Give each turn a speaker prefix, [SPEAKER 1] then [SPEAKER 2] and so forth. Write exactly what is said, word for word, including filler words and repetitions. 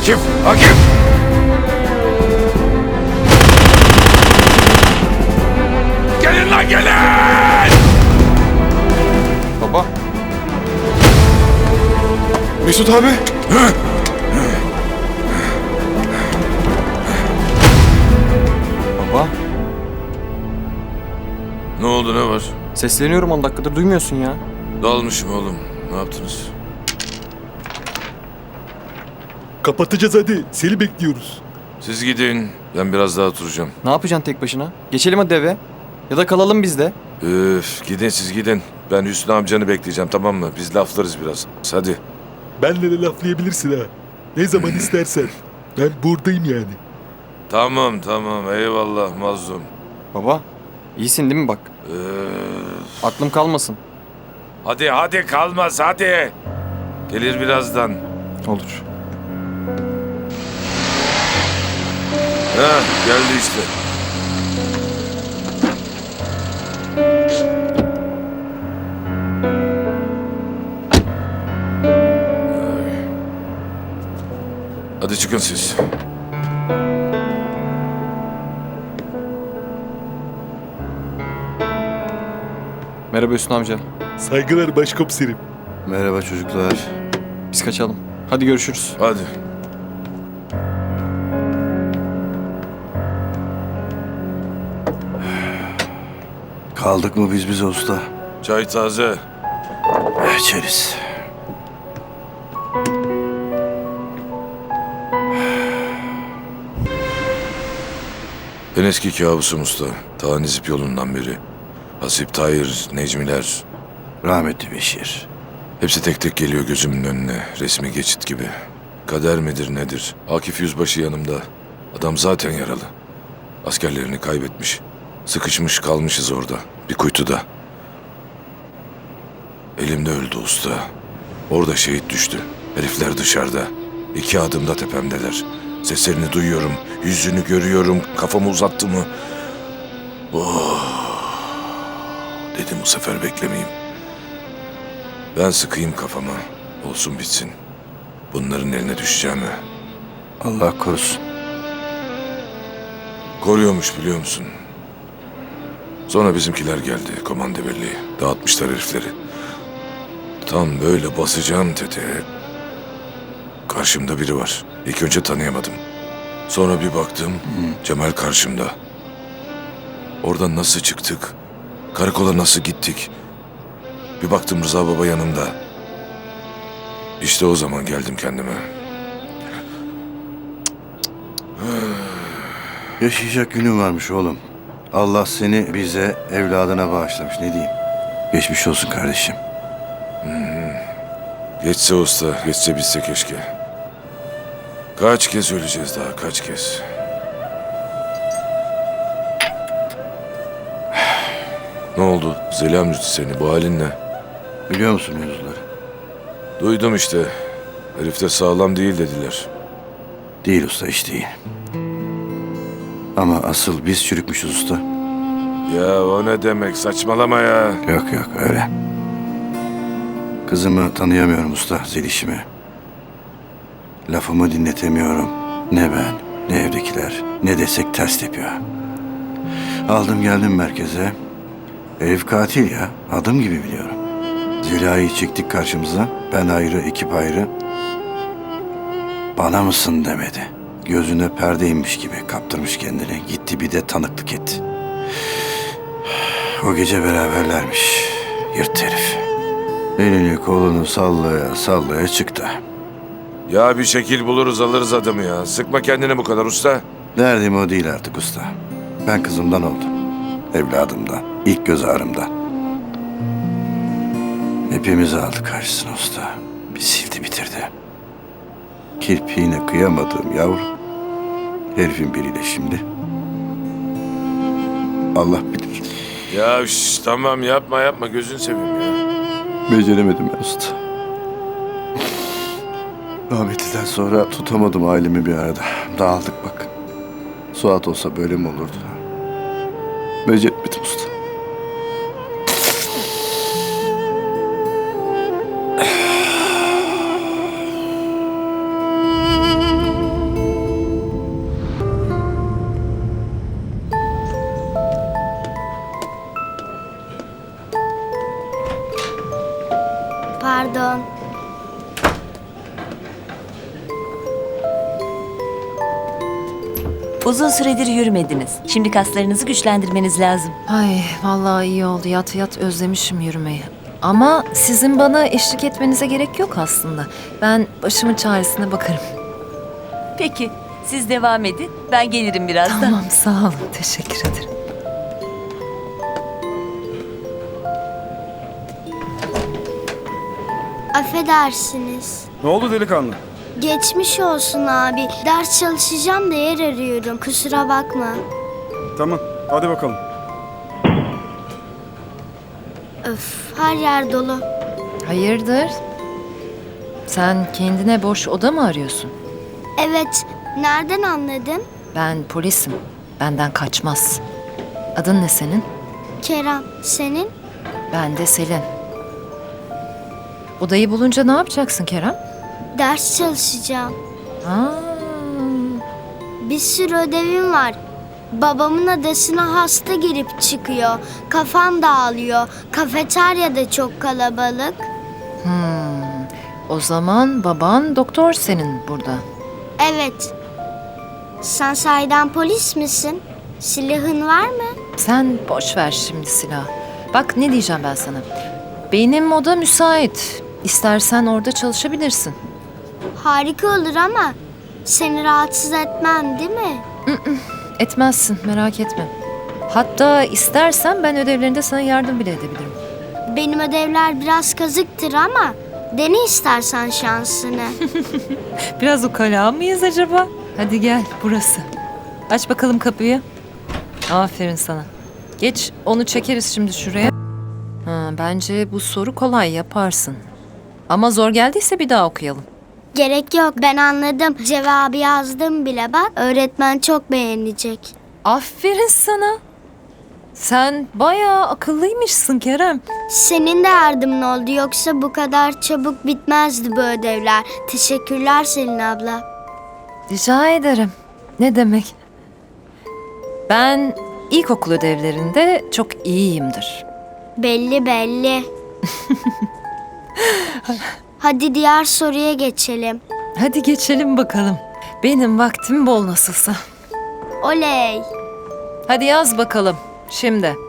[SPEAKER 1] Akif! Akif! Gelin lan gelin!
[SPEAKER 2] Baba.
[SPEAKER 3] Mesut abi.
[SPEAKER 2] Baba.
[SPEAKER 1] Ne oldu, ne var?
[SPEAKER 2] Sesleniyorum on dakikadır duymuyorsun ya.
[SPEAKER 1] Dalmışım oğlum. Ne yaptınız?
[SPEAKER 3] Kapatacağız hadi. Seni bekliyoruz.
[SPEAKER 1] Siz gidin. Ben biraz daha oturacağım.
[SPEAKER 2] Ne yapacaksın tek başına? Geçelim hadi eve. Ya da kalalım biz de.
[SPEAKER 1] Üf, gidin siz gidin. Ben Hüsnü amcanı bekleyeceğim, tamam mı? Biz laflarız biraz. Hadi.
[SPEAKER 3] Benle de laflayabilirsin ha. Ne zaman istersen. Ben buradayım yani.
[SPEAKER 1] Tamam tamam, eyvallah mazlum.
[SPEAKER 2] Baba. İyisin değil mi bak?
[SPEAKER 1] Üf.
[SPEAKER 2] Aklım kalmasın.
[SPEAKER 1] Hadi hadi kalmaz hadi. Gelir birazdan.
[SPEAKER 2] Olur.
[SPEAKER 1] Ha geldi işte. Hadi çıkın siz.
[SPEAKER 2] Merhaba Hüsnü amca.
[SPEAKER 3] Saygılar başkomiserim.
[SPEAKER 4] Merhaba çocuklar.
[SPEAKER 2] Biz kaçalım. Hadi görüşürüz.
[SPEAKER 1] Hadi.
[SPEAKER 4] Kaldık mı biz bize usta?
[SPEAKER 1] Çay taze.
[SPEAKER 4] İçeriz.
[SPEAKER 1] En eski kabusum usta. Ta Nizip yolundan beri. Hasip, Tahir, Necmiler.
[SPEAKER 4] Rahmetli Beşir.
[SPEAKER 1] Hepsi tek tek geliyor gözümün önüne. Resmi geçit gibi. Kader midir nedir? Akif Yüzbaşı yanımda. Adam zaten yaralı. Askerlerini kaybetmiş. Sıkışmış kalmışız orada. Bir kuytuda. Elimde öldü usta. Orada şehit düştü. Herifler dışarıda. İki adımda tepemdeler. Seslerini duyuyorum. Yüzünü görüyorum. Kafamı uzattı mı? Oh. Dedim bu sefer beklemeyeyim. Ben sıkayım kafama. Olsun bitsin. Bunların eline düşeceğimi.
[SPEAKER 4] Allah korusun.
[SPEAKER 1] Koruyormuş biliyor musun? Sonra bizimkiler geldi. Komando birliği. Dağıtmışlar herifleri. Tam böyle basacağım tetiğe. Karşımda biri var. İlk önce tanıyamadım. Sonra bir baktım. Cemal karşımda. Oradan nasıl çıktık? Karakola nasıl gittik? Bir baktım Rıza Baba yanımda. İşte o zaman geldim kendime.
[SPEAKER 4] Yaşayacak günün varmış oğlum. Allah seni bize, evladına bağışlamış. Ne diyeyim? Geçmiş olsun kardeşim.
[SPEAKER 1] Geçse usta, geçse bitse keşke. Kaç kez öleceğiz daha, kaç kez? Ne oldu? Zeliham üzdü seni, bu halin ne?
[SPEAKER 4] Biliyor musun mevzuları?
[SPEAKER 1] Duydum işte. Herif de sağlam değil dediler.
[SPEAKER 4] Değil usta, hiç değil. Ama asıl biz çürükmüşüz usta.
[SPEAKER 1] Ya o ne demek, saçmalama ya.
[SPEAKER 4] Yok yok öyle. Kızımı tanıyamıyorum usta, Zeliş'imi. Lafımı dinletemiyorum. Ne ben, ne evdekiler, ne desek ters tepiyor. Aldım geldim merkeze. Herif katil ya, adım gibi biliyorum. Zeliha'yı çektik karşımıza, ben ayrı, ekip ayrı. Bana mısın demedi. Gözüne perde inmiş gibi kaptırmış kendini. Gitti bir de tanıklık etti. O gece beraberlermiş. Yırt herif. Elini kolunu sallaya sallaya çıktı.
[SPEAKER 1] Ya bir şekil buluruz alırız adamı ya. Sıkma kendini bu kadar usta.
[SPEAKER 4] Derdim o değil artık usta. Ben kızımdan oldum. Evladımdan. İlk göz ağrımdan. Hepimizi aldı karşısına usta. Bir sildi bitirdi. Kirpiğine kıyamadığım yavrum. Herifin biriyle şimdi. Allah bilir.
[SPEAKER 1] Ya şş, tamam yapma yapma gözünü seveyim ya.
[SPEAKER 4] Beceremedim ben usta. Rahmetliden sonra tutamadım ailemi bir arada. Dağıldık bak. Suat olsa böyle mi olurdu? Beceremedim usta.
[SPEAKER 5] Uzun süredir yürümediniz. Şimdi kaslarınızı güçlendirmeniz lazım.
[SPEAKER 6] Ay vallahi iyi oldu. Yat yat özlemişim yürümeyi. Ama sizin bana eşlik etmenize gerek yok aslında. Ben başımın çaresine bakarım.
[SPEAKER 5] Peki, siz devam edin. Ben gelirim birazdan.
[SPEAKER 6] Tamam sağ olun. Teşekkür ederim.
[SPEAKER 7] Affedersiniz.
[SPEAKER 8] Ne oldu delikanlı?
[SPEAKER 7] Geçmiş olsun abi. Ders çalışacağım da yer arıyorum. Kusura bakma.
[SPEAKER 8] Tamam, hadi bakalım.
[SPEAKER 7] Öf, her yer dolu.
[SPEAKER 6] Hayırdır? Sen kendine boş oda mı arıyorsun?
[SPEAKER 7] Evet, nereden anladın?
[SPEAKER 6] Ben polisim. Benden kaçmaz. Adın ne senin?
[SPEAKER 7] Kerem, senin?
[SPEAKER 6] Ben de Selin. Odayı bulunca ne yapacaksın Kerem?
[SPEAKER 7] Ders çalışacağım.
[SPEAKER 6] Aa,
[SPEAKER 7] Bir sürü ödevim var. Babamın adasına hasta girip çıkıyor. Kafam dağılıyor. Kafeterya da çok kalabalık.
[SPEAKER 6] hmm. O zaman baban doktor senin burada.
[SPEAKER 7] Evet. Sen sahiden polis misin? Silahın var mı?
[SPEAKER 6] Sen boş ver şimdi silah. Bak ne diyeceğim ben sana. Benim oda müsait. İstersen orada çalışabilirsin.
[SPEAKER 7] Harika olur ama seni rahatsız etmem değil mi?
[SPEAKER 6] Etmezsin merak etme. Hatta istersen ben ödevlerinde sana yardım bile edebilirim.
[SPEAKER 7] Benim ödevler biraz kazıktır ama dene istersen şansını.
[SPEAKER 6] Biraz ukala mıyız acaba? Hadi gel burası. Aç bakalım kapıyı. Aferin sana. Geç onu çekeriz şimdi şuraya. Ha, bence bu soru kolay yaparsın. Ama zor geldiyse bir daha okuyalım.
[SPEAKER 7] Gerek yok, ben anladım. Cevabı yazdım bile bak. Öğretmen çok beğenecek.
[SPEAKER 6] Aferin sana. Sen bayağı akıllıymışsın Kerem.
[SPEAKER 7] Senin de yardımın oldu, yoksa bu kadar çabuk bitmezdi bu ödevler. Teşekkürler Selin abla.
[SPEAKER 6] Rica ederim. Ne demek? Ben ilkokul ödevlerinde çok iyiyimdir.
[SPEAKER 7] Belli belli. Hadi diğer soruya geçelim.
[SPEAKER 6] Hadi geçelim bakalım. Benim vaktim bol nasılsa.
[SPEAKER 7] Oley.
[SPEAKER 6] Hadi yaz bakalım şimdi.